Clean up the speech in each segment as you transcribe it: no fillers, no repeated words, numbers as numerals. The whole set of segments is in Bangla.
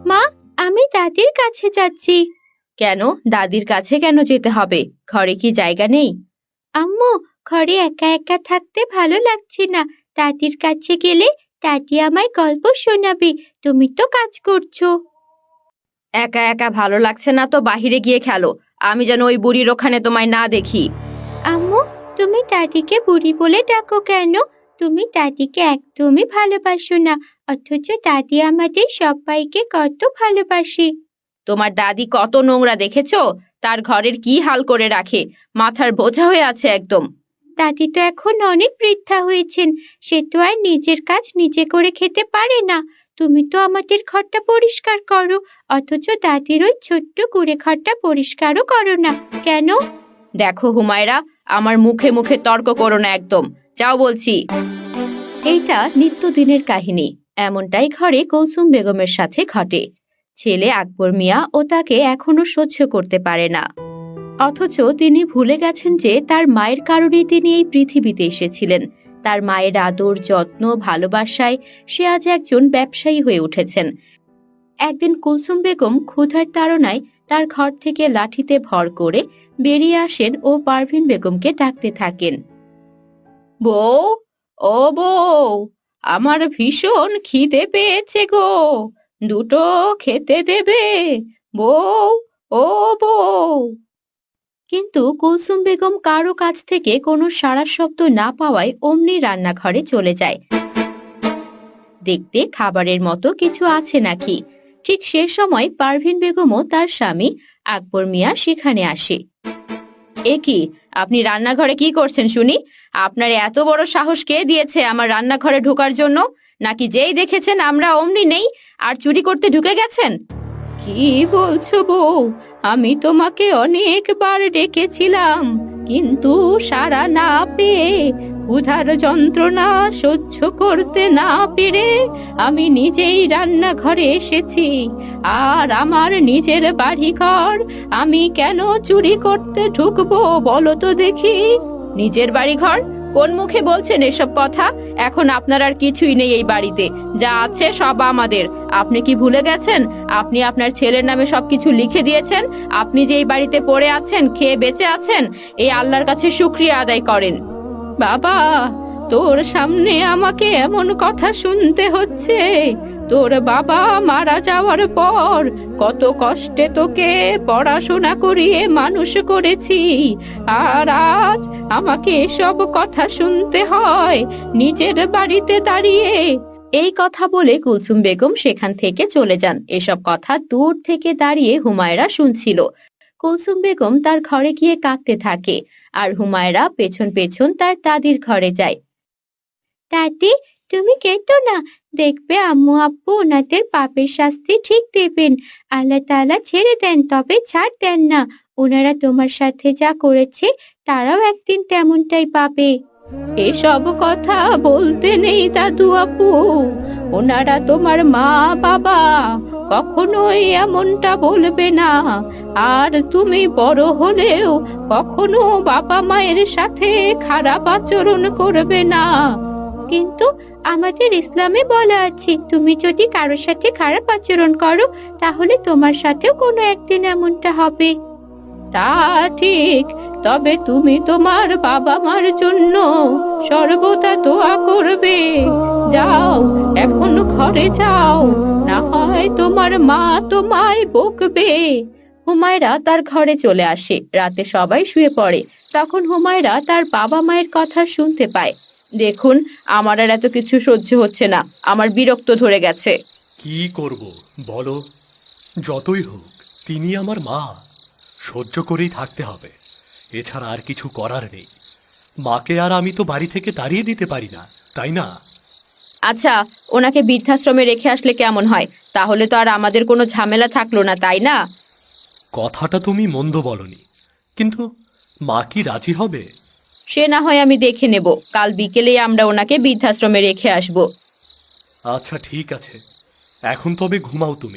মা, আমি দাদির কাছে যাচ্ছি। কেন? দাদির কাছে কেন যেতে হবে? ঘরে কি জায়গা নেই? আম্মু, ঘরে একা একা থাকতে ভালো লাগছে না। দাদির কাছে গেলে দাদি আমায় গল্প শোনাবে। তুমি তো কাজ করছো। একা একা ভালো লাগছে না তো বাহিরে গিয়ে খেলো। আমি যেন ওই বুড়ির ওখানে তোমায় না দেখি। আম্মু, তুমি দাদিকে বুড়ি বলে ডাকো কেন? তুমি দাদিকে একদমই ভালোবাসো না, অথচ দাদি আমাদের সবাইকে কত ভালোবাসে। তোমার দাদি কত নোংরা দেখেছো? তার ঘরের কি হাল করে রাখে, মাথার বোঝা হয়ে আছে একদম। দাদি তো এখন অনেক বৃদ্ধা হয়েছেন, সে তো আর নিজের কাজ নিজে করে খেতে পারে না। তুমি তো আমাদের ঘরটা পরিষ্কার করো, অথচ দাদির ওই ছোট্ট কুড়ে ঘরটা পরিষ্কারও করো না কেন? দেখো হুমায়রা, আমার মুখে মুখে তর্ক করো না একদম। যাও বলছি। এইটা নিত্যদিনের কাহিনী। এমনটাই ঘরে কুলসুম বেগমের সাথে ঘটে। ছেলে আকবর মিয়া ও তাকে এখনো সহ্য করতে পারে না, অথচ তিনি ভুলে গেছেন যে তার মায়ের কারণেই তিনি এই পৃথিবীতে এসেছিলেন। তার মায়ের আদর, যত্ন, ভালোবাসায় সে আজ একজন ব্যবসায়ী হয়ে উঠেছেন। একদিন কুলসুম বেগম ক্ষুধার তাড়নায় তার ঘর থেকে লাঠিতে ভর করে বেরিয়ে আসেন ও পারভিন বেগমকে ডাকতে থাকেন। বউ, ও বউ, আমার ভীষণ খিদে পেয়েছে গো, দুটো খেতে দেবে? বউ, ও বউ। কিন্তু কুলসুম বেগম কারো কাছ থেকে কোনো সাড়া শব্দ না পাওয়ায় অমনি রান্নাঘরে চলে যায় দেখতে খাবারের মতো কিছু আছে নাকি। ঠিক সে সময় পারভিন বেগমও তার স্বামী আকবর মিয়া সেখানে আসে। এ কি, আপনি রান্নাঘরে কি করছেন শুনি? আপনার এত বড় সাহস কে দিয়েছে আমার রান্নাঘরে ঢোকার জন্য? নাকি যেই দেখেছেন আমরা অমনি নেই আর চুরি করতে ঢুকে গেছেন? কি বলছো বউ? আমি তোমাকে অনেকবার ডেকেছিলাম, কিন্তু সাড়া না পেয়ে, ক্ষুধার যন্ত্রণা সহ্য করতে না পেরে আমি নিজেই রান্নাঘরে এসেছি। আর আমার নিজের বাড়িঘর আমি কেন চুরি করতে ঢুকবো বলো তো দেখি? নিজের বাড়িঘর? কোন মুখে বলছেন এসব কথা? এখন আপনার আর কিছুই নেই এই বাড়িতে, যা আছে সব আমাদের। আপনি কি ভুলে গেছেন আপনি আপনার ছেলের নামে সবকিছু লিখে দিয়েছেন? আপনি যে এই বাড়িতে পড়ে আছেন, খেয়ে বেঁচে আছেন, এই আল্লাহর কাছে শুকরিয়া আদায় করেন। বাবা, তোর সামনে আমাকে এমন কথা শুনতে হচ্ছে? তোর বাবা মারা যাওয়ার পর কত কষ্টে তোকে পড়াশোনা করিয়ে মানুষ করেছি, আর আজ আমাকে এসব কথা শুনতে হয় নিজের বাড়িতে দাঁড়িয়ে? এই কথা বলে কুলসুম বেগম সেখান থেকে চলে যান। এসব কথা দূর থেকে দাঁড়িয়ে হুমায়রা শুনছিল। কুলসুম বেগম তার ঘরে গিয়ে কাঁদতে থাকে, আর হুমায়রা পেছন পেছন তার দাদির ঘরে যায়। দাদি, তুমি কেঁদো না, দেখবে আম্মু আব্বু ওনাদের পাপের শাস্তি ঠিক দেবেন। আল্লাহ তাআলা ছেড়ে দেন তবে ছাড় দেন না। ওনারা তোমার সাথে যা করেছে তারাও একদিন তেমনটাই পাবে। এসব কথা বলতে নেই দাদু আপু, ওনারা তোমার মা বাবা, কখনোই এমনটা বলবে না। আর তুমি বড় হলেও কখনো বাবা মায়ের সাথে খারাপ আচরণ করবে না। কিন্তু আমাদের ইসলামে বলা আছে, তুমি যদি কারোর সাথে খারাপ আচরণ করো তাহলে তোমার সাথেও কোনো একদিন এমনটা হবে। তা ঠিক, তবে তুমি তোমার বাবা মার জন্য সর্বদা দোয়া করবে। যাও, এখন ঘরে যাও, না হয় তোমার মা তোমায় বকবে। হুমায়রা তার ঘরে চলে আসে। রাতে সবাই শুয়ে পড়ে। তখন হুমায়রা তার বাবা মায়ের কথা শুনতে পায়। দেখুন, আমার আর এত কিছু সহ্য হচ্ছে না, আমার বিরক্ত ধরে গেছে। কি করব বলো? যতই হোক তিনি আমার মা, সহ্য করেই থাকতে হবে, এছাড়া আর কিছু করার নেই। মাকে আর আমি তো বাড়ি থেকে তাড়িয়ে দিতে পারি না, তাই না? আচ্ছা, ওনাকে বৃদ্ধাশ্রমে রেখে আসলে কেমন হয়? তাহলে তো আর আমাদের কোনো ঝামেলা থাকলো না, তাই না? কথাটা তুমি মন্দ বলনি, কিন্তু মা কি রাজি হবে? সে না হয় আমি দেখে নেব, কাল বিকেলেই আমরা ওনাকে বৃদ্ধাশ্রমে রেখে আসব। আচ্ছা ঠিক আছে, এখন তবে ঘুমাও তুমি।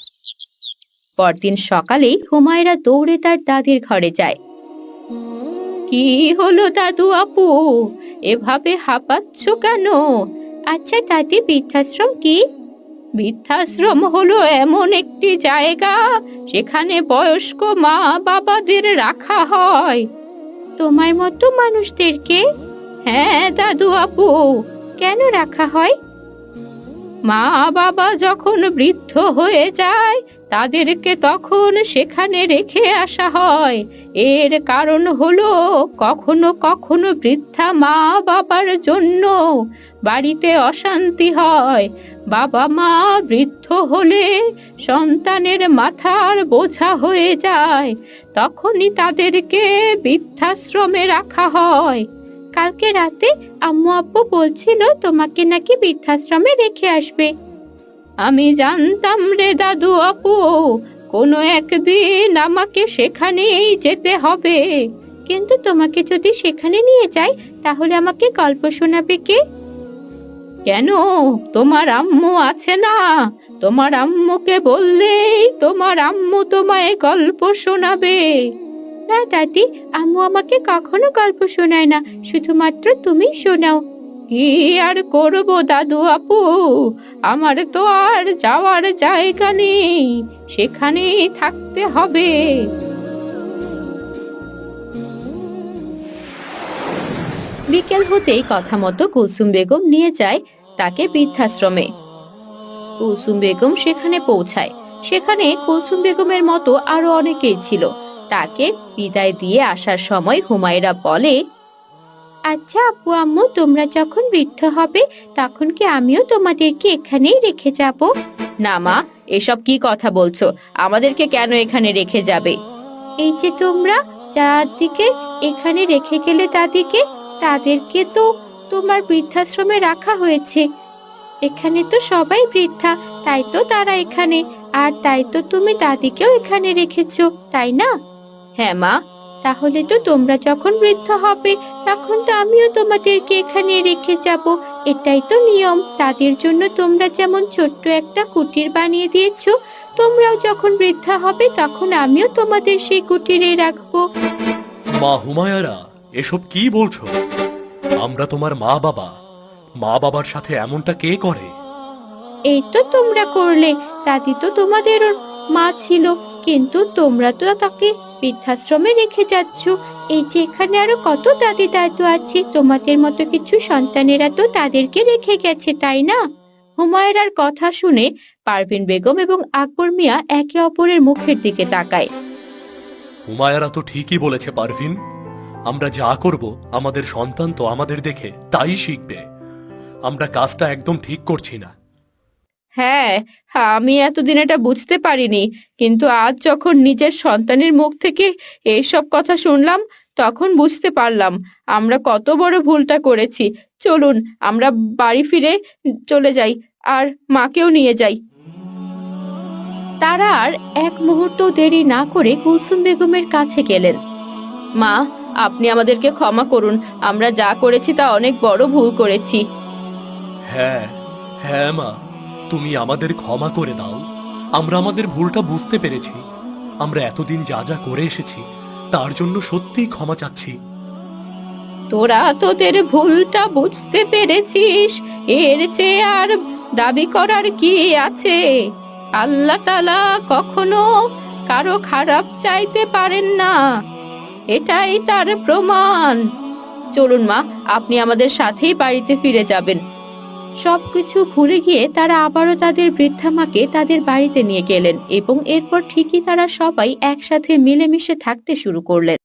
পরদিন সকালেই হুমায়রা দৌড়ে তার দাদির ঘরে যায়। কি হলো দাদু আপু, এভাবে হাঁপাচ্ছ কেন? আচ্ছা দাদি, বৃদ্ধাশ্রম কি? বৃদ্ধাশ্রম হলো এমন একটি জায়গা, সেখানে বয়স্ক মা বাবাদের রাখা হয়। তোমার মতো মানুষদেরকে? হ্যাঁ দাদু আপু। কেন রাখা হয়? মা বাবা যখন বৃদ্ধ হয়ে যায়, তাদেরকে তখন সেখানে রেখে আসা হয়। এর কারণ হলো কখনো কখনো বৃদ্ধা মা বাবার জন্য বাড়িতে অশান্তি হয়। বাবা মা বৃদ্ধ হলে সন্তানের মাথার বোঝা হয়ে যায়, তখনই তাদেরকে বৃদ্ধাশ্রমে রাখা হয়। কালকে রাতে আম্মু আব্বু বলছিল তোমাকে নাকি বৃদ্ধাশ্রমে রেখে আসবে। আমি জানতাম রে দাদু আপু, কোনো একদিন আমাকে সেখানেই যেতে হবে। কিন্তু তোমাকে যদি সেখানে নিয়ে যাই, তাহলে আমাকে গল্প শোনাবে কে? কেন, তোমার আম্মু আছে না? তোমার আম্মুকে বললেই তোমার আম্মু তোমায় গল্প শোনাবে। না দাদি, আম্মু আমাকে কখনো গল্প শোনায় না, শুধুমাত্র তুমি শোনাও। কি আর করব দাদু আপু, আমার তো আর যাওয়ার জায়গা নেই, সেখানেই থাকতে হবে। বিকেল হতেই কথা মতো কুলসুম বেগম নিয়ে যায় তাকে বৃদ্ধাশ্রমে। কুলসুম বেগম সেখানে পৌঁছায়। সেখানে কুলসুম বেগমের মতো আরো অনেকেই ছিল। তাকে বিদায় দিয়ে আসার সময় হুমায়রা বলে, আচ্ছা আপু আম্মু, তোমরা যখন বৃদ্ধ হবে তখন কি আমিও তোমাদেরকে এখানেই রেখে যাব? না মা, এসব কি কথা বলছো? আমাদেরকে কেন এখানে রেখে যাবে? এই যে তোমরা চারদিকে এখানে রেখে গেলে দাদিকে, তাদেরকে তো তোমার বৃদ্ধাশ্রমে রাখা হয়েছে। এখানে তো সবাই বৃদ্ধা, তাই তো তারা এখানে। আর তাই তো তুমি দাদিকেও এখানে রেখেছো, তাই না? হ্যাঁ মা। তাহলে তো তোমরা যখন বৃদ্ধ হবে তখন তো আমিও তোমাদেরকে এখানে রেখে যাব। এটাই তো নিয়ম। তাদের জন্য তোমরা যেমন ছোট্ট একটা কুটির বানিয়ে দিয়েছো, তোমরাও যখন বৃদ্ধা হবে তখন আমিও তোমাদের সেই কুটিরে রাখবো। মা হুমায়রা, এসব কি বলছো? আমরা তোমার মা বাবা। মা বাবার সাথে এমনটা কে করে? এই তো তোমরা করলে। দাদি তো তোমাদের মা ছিল, কিন্তু তোমরা তো তাকে বৃদ্ধাশ্রমে রেখে যাচ্ছ। এই যে এখানে আরো কত দাদি দাদু আছে, তোমাদের মতো কিছু সন্তানেরা তো তাদেরকে রেখে গেছে, তাই না? হুমায়রার কথা শুনে পারভিন বেগম এবং আকবর মিয়া একে অপরের মুখের দিকে তাকায়। হুমায়রা তো ঠিকই বলেছে পারভিন। আমরা যা করব আমাদের সন্তান তো আমাদের দেখে তাই শিখবে। আমরা কাজটা একদম ঠিক করছি না। হ্যাঁ, আমি এতদিন এটা বুঝতে পারিনি, কিন্তু আজ যখন নিজের সন্তানের মুখ থেকে এইসব কথা শুনলাম তখন বুঝতে পারলাম আমরা কত বড় ভুলটা করেছি। চলুন আমরা বাড়ি ফিরে চলে যাই, আর মাকেও নিয়ে যাই। তারা আর এক মুহূর্ত দেরি না করে কুলসুম বেগমের কাছে গেলেন। মা, আপনি আমাদেরকে ক্ষমা করুন, আমরা যা করেছি তা অনেক বড় ভুল করেছি। হ্যাঁ হ্যাঁ মা, তুমি আমাদের ক্ষমা করে দাও। আমরা আমাদের ভুলটা বুঝতে পেরেছি। আমরা এতদিন যা যা করে এসেছি তার জন্য সত্যিই ক্ষমা চাচ্ছি। তোরা তোদের ভুলটা বুঝতে পেরেছিস, এর চেয়ে আর দাবি করার কি আছে? আল্লাহ তাআলা কখনো কারো খারাপ চাইতে পারেন না, এটাই তার প্রমাণ। চলুন মা, আপনি আমাদের সাথেই বাড়িতে ফিরে যাবেন। সবকিছু ভুলে গিয়ে তারা আবারও তাদের বৃদ্ধা মাকে তাদের বাড়িতে নিয়ে গেলেন এবং এরপর ঠিকই তারা সবাই একসাথে মিলেমিশে থাকতে শুরু করলেন।